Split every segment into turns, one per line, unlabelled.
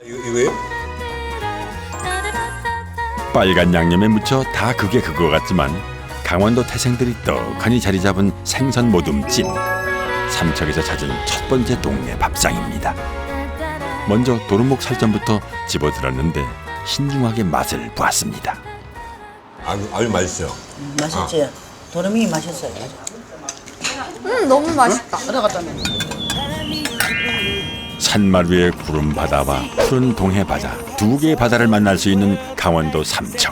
이거요?
빨간 양념에 묻혀 다 그게 그거 같지만 강원도 태생들이 떡하니 자리 잡은 생선 모둠찜. 삼척에서 찾은 첫 번째 동네 밥상입니다. 먼저 도루묵 살점부터 집어들었는데 신중하게 맛을 보았습니다.
아주 맛있어요.
맛있지? 도루묵이 맛있어요.
너무 맛있다.
산말 위의 구름 바다와 푸른 동해 바다 두 개의 바다를 만날 수 있는 강원도 삼척.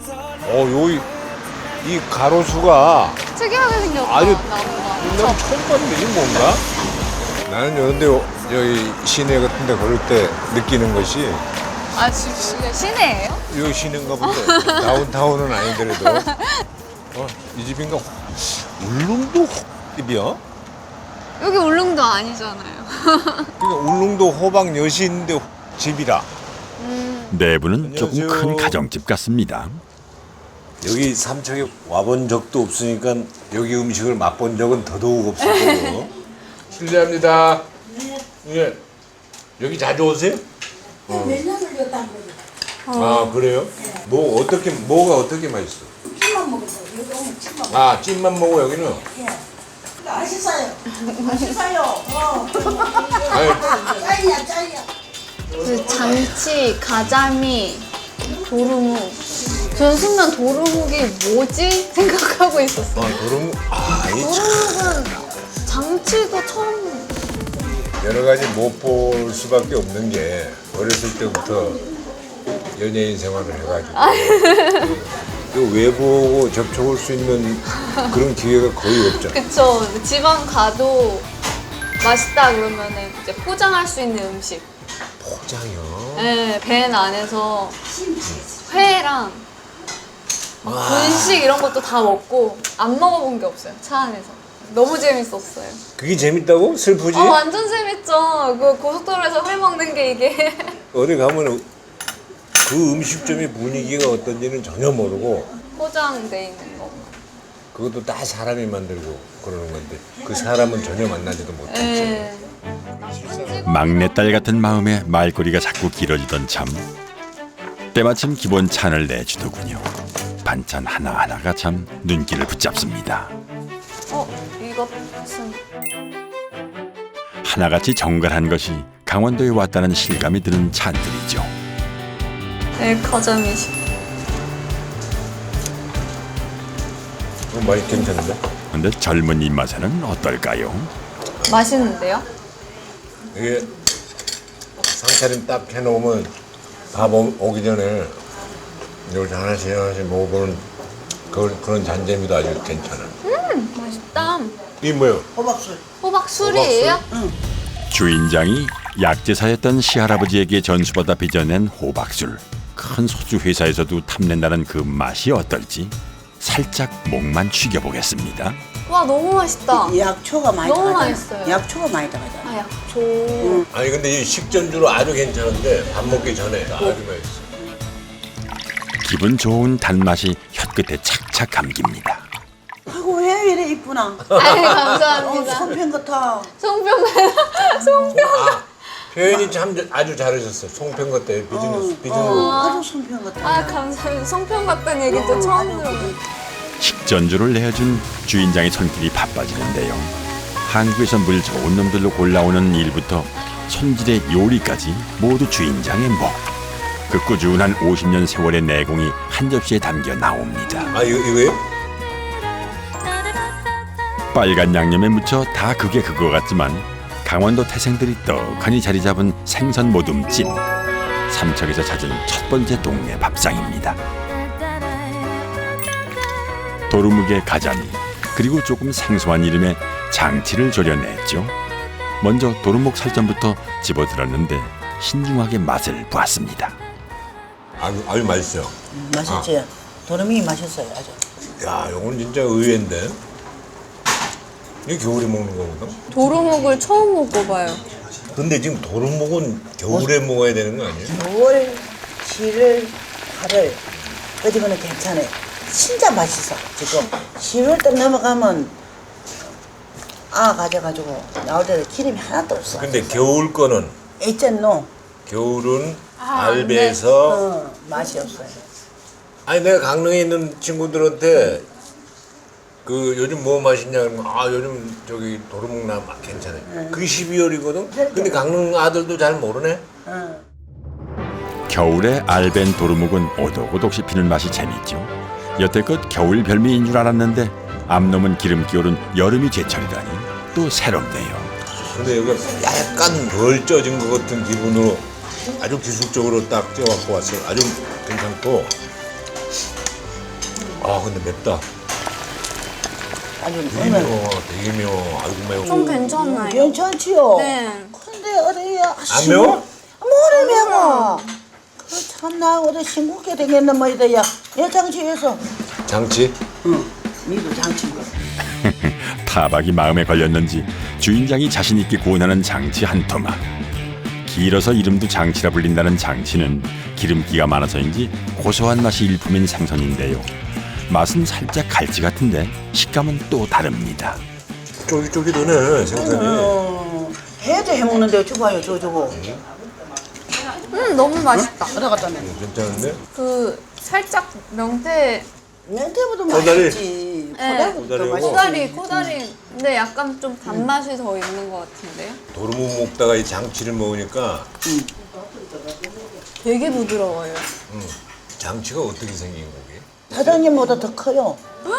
이 가로수가
특이하게 생겼다.
아주
나무가.
옛날에 처음 봤는데 이게 뭔가? 나는 이런데 여기 시내 같은데 걸을 때 느끼는 것이
아, 진짜 시내예요?
여기 시내인가 본데 다운타운은 아니더라도 이 집인가 울릉도 집이야?
여기 울릉도 아니잖아요.
그러니까 울릉도 호박 엿이 있는데 집이라.
내부는 조금
안녕하세요.
큰 가정집 같습니다.
여기 삼척에 와본 적도 없으니까 여기 음식을 맛본 적은 더더욱 없을 거고. 실례합니다. 예. 여기 자주 오세요?
몇 년을 줬다는 거죠.
아 그래요? 뭐가 어떻게 맛있어?
찜만 먹었어요. 여기 오면 찜만 먹어요.
아 찜만 먹어 여기는.
예. 맛있어요. 맛있어요.
아니,
짱이야, 짱이야.
그 장치, 가자미, 도루묵. 저는 순간 도루묵이 뭐지? 생각하고 있었어요.
도루묵. 이
도루묵은 장치도 처음.
여러 가지 못 볼 수밖에 없는 게 어렸을 때부터 연예인 생활을 해가지고 그 외부하고 접촉할 수 있는 그런 기회가 거의 없죠.
그쵸. 지방 가도 맛있다 그러면은 이제 포장할 수 있는 음식.
포장이요.
네, 밴 안에서 회랑 분식 이런 것도 다 먹고 안 먹어본 게 없어요. 차 안에서. 너무 재밌었어요.
그게 재밌다고? 슬프지?
완전 재밌죠. 그 고속도로에서 회 먹는 게 이게.
어디 가면 그 음식점의 분위기가 어떤지는 전혀 모르고
포장돼 있는 거.
그것도 다 사람이 만들고 그러는 건데 그 사람은 전혀 만나지도 못했지.
네.
막내딸 같은 마음에 말꼬리가 자꾸 길어지던 참 때마침 기본 찬을 내주더군요. 반찬 하나하나가 참 눈길을 붙잡습니다.
이것은
하나같이 정갈한 것이 강원도에 왔다는 실감이 드는 찬들이죠.
네, 가자미식.
맛이 괜찮은데?
근데 젊은 입맛에는 어떨까요?
맛있는데요?
이게 상차림 딱 해놓으면 밥 오기 전에 이걸 하나씩 먹어보는 그런 잔재미도 아주 괜찮아.
맛있다.
이게 뭐예요?
호박술.
호박술이에요?
주인장이 약제사였던 시할아버지에게 전수받아 빚어낸 호박술. 큰 소주 회사에서도 탐낸다는 그 맛이 어떨지 살짝 목만 죽여보겠습니다.
와, 너무 맛있다.
약초가 많이
너무
들어가잖아.
맛있어요.
약초가 많이 들어가잖아.
아, 약초.
아니 근데 이 식전주로 아주 괜찮은데 밥 먹기 전에 아주 맛있어.
음.
기분
좋은 단맛이 혀끝에 착착 감깁니다.
아이고 왜 이래 이쁘나.
아이, 감사합니다.
손편 같아.
송병. 송병.
표현이 참 아주 잘하셨어. 송편 같다. 비즈니스.
아주 손편 같아.
아, 감사합니다. 송병 같다는 얘기도 처음 들어요.
식전주를 내어준 주인장의 손길이 바빠지는데요. 한국에서 물 좋은 놈들로 골라오는 일부터 손질의 요리까지 모두 주인장의 목. 그 꾸준한 50년 세월의 내공이 한 접시에 담겨 나옵니다.
아 이거요?
빨간 양념에 묻혀 다 그게 그거 같지만 강원도 태생들이 떡하니 자리 잡은 생선 모둠찜. 삼척에서 찾은 첫 번째 동네 밥상입니다. 도루묵의 가자미 그리고 조금 생소한 이름의 장치를 졸여냈죠. 먼저 도루묵 살점부터 집어들었는데 신중하게 맛을 보았습니다.
아주 맛있어요.
맛있지? 도루묵이 맛있어요. 아주.
야, 이건 진짜 의외인데. 이게 겨울에 먹는 거거든.
도루묵을 처음 먹어봐요.
근데 지금 도루묵은 겨울에 먹어야 되는 거 아니에요?
6월, 7월, 8월 그지고는 괜찮아요. 진짜 맛있어 지금. 10월달 넘어가면 가져가지고 나올 때도 기름이 하나도 없어.
근데 겨울 거는
있잖노.
겨울은 알배에서
맛이 없어요.
아니 내가 강릉에 있는 친구들한테 그 요즘 뭐 맛있냐 그러면 아 요즘 저기 도루묵나 괜찮아요. 그게 12월이거든. 근데 강릉 아들도 잘 모르네.
겨울에 알벤 도루묵은 오독오독 씹히는 맛이 재밌죠. 여태껏 겨울 별미인 줄 알았는데 암놈은 기름기 오른 여름이 제철이라니 또 새롭네요.
근데 여기가 약간 덜 쪄진 것 같은 기분으로 아주 기술적으로 딱 쪄갖고 왔어요. 아주 괜찮고. 아 근데 맵다.
아주
되게 매워. 되게 매워. 아이고 매워.
좀 괜찮나요?
괜찮지요.
네.
근데 어디야?
안 매워?
뭐를 매워? 그 참나 어디 싱겁게 되겠나 뭐이다야. 내 장치에서.
장치?
응. 니도 장치인 거.
타박이 마음에 걸렸는지 주인장이 자신 있게 구원하는 장치 한 토막. 길어서 이름도 장치라 불린다는 장치는 기름기가 많아서인지 고소한 맛이 일품인 생선인데요. 맛은 살짝 갈치 같은데 식감은 또 다릅니다.
쫄깃쫄깃하네 생선이.
해도 해먹는데 줘봐요 저거.
너무 맛있다.
어디 갔다 내?
괜찮은데?
그 살짝 명태
냉태보다
코다리.
맛있지.
네.
코다리보다
코다리하고.
맛있지.
코다리. 근데 약간 좀 단맛이 더 있는 것 같은데요?
도루묵 먹다가 이 장치를 먹으니까
되게 부드러워요.
장치가 어떻게 생긴 거게?
사장님보다 더 커요.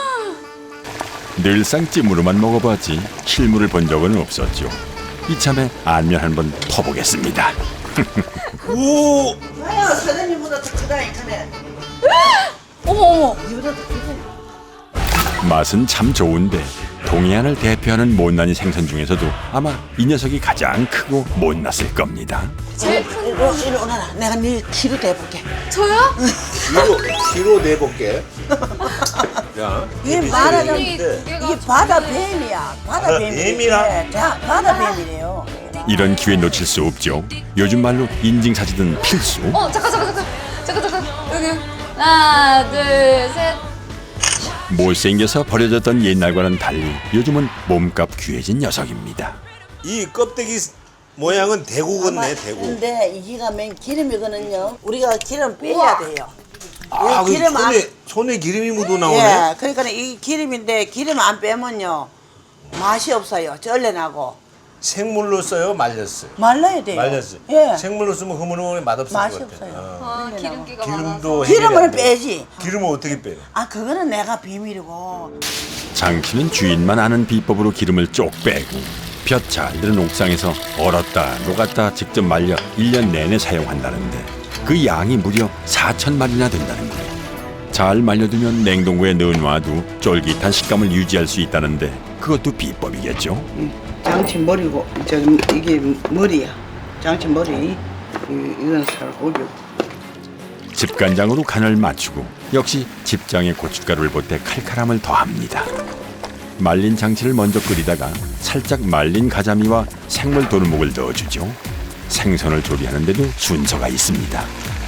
늘상 찜으로만 먹어봤지 실물을 본 적은 없었죠. 이참에 안면 한번 퍼보겠습니다.
오!
아야 사장님보다 더 크다 이 크네.
어머.
이보다 더 크고.
맛은 참 좋은데 동해안을 대표하는 못난이 생선 중에서도 아마 이 녀석이 가장 크고 못났을 겁니다.
제일 큰
이리 오너라. 내가 네 키로 대볼게.
저요?
키로 내볼게. 자,
이게 말하자면
이 두께가
이게 바다 뱀이야. 바다 뱀이래.
뱀이라?
자, 바다 뱀이래요.
이런 기회 놓칠 수 없죠. 요즘 말로 인증사진은 필수.
잠깐. 여기. 하나, 둘, 셋.
못생겨서 버려졌던 옛날과는 달리 요즘은 몸값 귀해진 녀석입니다.
이 껍데기 모양은 대구 같네, 대구.
근데 이기가 맨 기름이거든요. 우리가 기름 빼야 돼요.
아,
이
그
기름 안,
손에 기름이 묻어 나오네.
예, 그러니까 이 기름인데 기름 안 빼면요 맛이 없어요. 쩔레나고
생물로 써요, 말렸어요.
말라야 돼요.
말렸어요.
예,
생물로 쓰면 흐물흐물 맛없을
맛이
것 같아요.
없어요.
기름기가
기름도
기름을
해결이 안 돼요.
빼지.
기름을 어떻게 빼요?
아 그거는 내가 비밀이고.
장치는 주인만 아는 비법으로 기름을 쪽 빼고 볕 잘 드는 옥상에서 얼었다 녹았다 직접 말려 1년 내내 사용한다는데 그 양이 무려 4,000마리나 된다는 거예요. 잘 말려두면 냉동고에 넣어놔도 쫄깃한 식감을 유지할 수 있다는데 그것도 비법이겠죠.
장치 머리고 이게 머리야. 장치 머리. 이건 살고기.
집간장으로 간을 맞추고 역시 집장에 고춧가루를 보태 칼칼함을 더합니다. 말린 장치를 먼저 끓이다가 살짝 말린 가자미와 생물 도루묵을 넣어주죠. 생선을 조리하는데도 순서가 있습니다.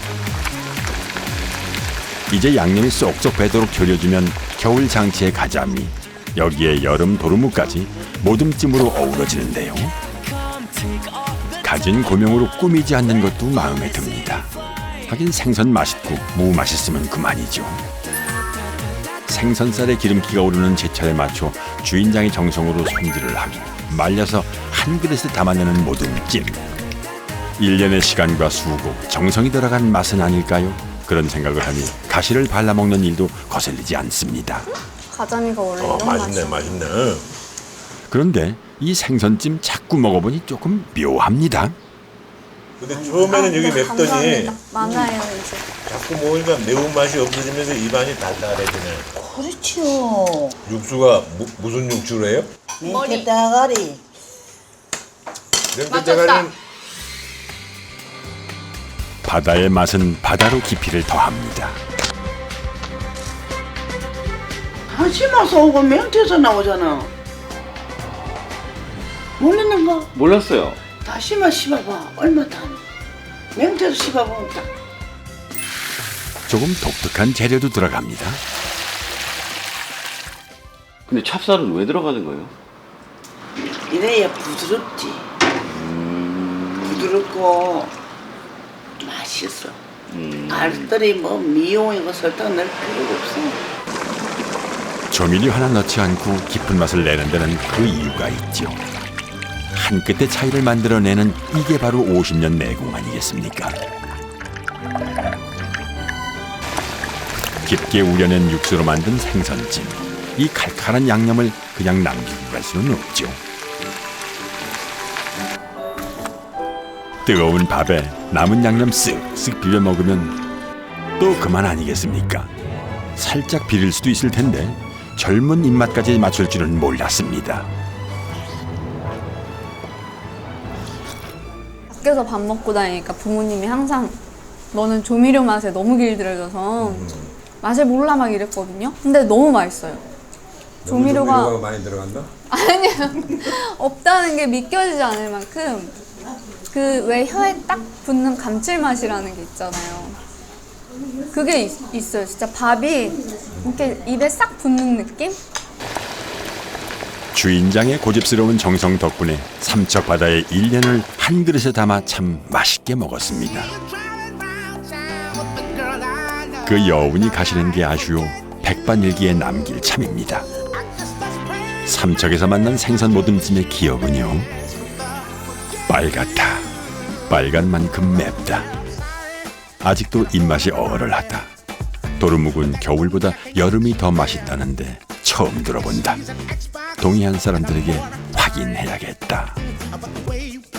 이제 양념이 쏙쏙 배도록 졸여주면 겨울 장치의 가자미, 여기에 여름 도루묵까지 모둠찜으로 어우러지는데요. 가진 고명으로 꾸미지 않는 것도 마음에 듭니다. 하긴 생선 맛있고 무 맛있으면 그만이죠. 생선살에 기름기가 오르는 제철에 맞춰 주인장이 정성으로 손질을 하고 말려서 한 그릇에 담아내는 모둠찜. 1년의 시간과 수고, 정성이 들어간 맛은 아닐까요? 그런 생각을 하니 가시를 발라먹는 일도 거슬리지 않습니다.
가자미가 원래 이런
맛있네,
맛이야.
맛있네.
그런데 이 생선찜 자꾸 먹어보니 조금 묘합니다.
근데 처음에는 여기 맵더니
감사합니다. 많아요 이제.
자꾸 먹으니까 매운맛이 없어지면서 입안이 달달해지네.
그렇죠.
육수가 무슨 육수로 해요?
맹태 따가리.
냉동자갈은
바다의 맛은 바다로 깊이를 더합니다.
다시마서 오고 맹태에서 나오잖아. 모르는가?
몰랐어요.
다시마 씹어봐. 얼마 다. 맹태도 씹어보면 딱.
조금 독특한 재료도 들어갑니다.
근데 찹쌀은 왜 들어가는 거예요?
이래야 부드럽지. 부드럽고 맛있어. 알뜰히 뭐 미용이고 설탕 넣을 필요가 없어.
조미료 하나 넣지 않고 깊은 맛을 내는 데는 그 이유가 있죠. 한 끗의 차이를 만들어내는 이게 바로 50년 내공 아니겠습니까? 깊게 우려낸 육수로 만든 생선찜. 이 칼칼한 양념을 그냥 남기고 갈 수는 없죠. 뜨거운 밥에 남은 양념 쓱쓱 비벼 먹으면 또 그만 아니겠습니까? 살짝 비릴 수도 있을 텐데 젊은 입맛까지 맞출 줄은 몰랐습니다.
밖에서 밥 먹고 다니니까 부모님이 항상 너는 조미료 맛에 너무 길들여져서 맛을 몰라 막 이랬거든요. 근데 너무 맛있어요. 조미료가
많이 들어간다?
아니요. 없다는 게 믿겨지지 않을 만큼 그 왜 혀에 딱 붙는 감칠맛이라는 게 있잖아요. 그게 있어요. 진짜 밥이 이렇게 입에 싹 붙는 느낌?
주인장의 고집스러운 정성 덕분에 삼척 바다의 일년을 한 그릇에 담아 참 맛있게 먹었습니다. 그 여운이 가시는 게 아쉬워 백반일기에 남길 참입니다. 삼척에서 만난 생선 모듬찜의 기억은요, 빨갛다, 빨간 만큼 맵다, 아직도 입맛이 얼얼하다, 도루묵은 겨울보다 여름이 더 맛있다는데 처음 들어본다. 동해안 사람들에게 확인해야겠다.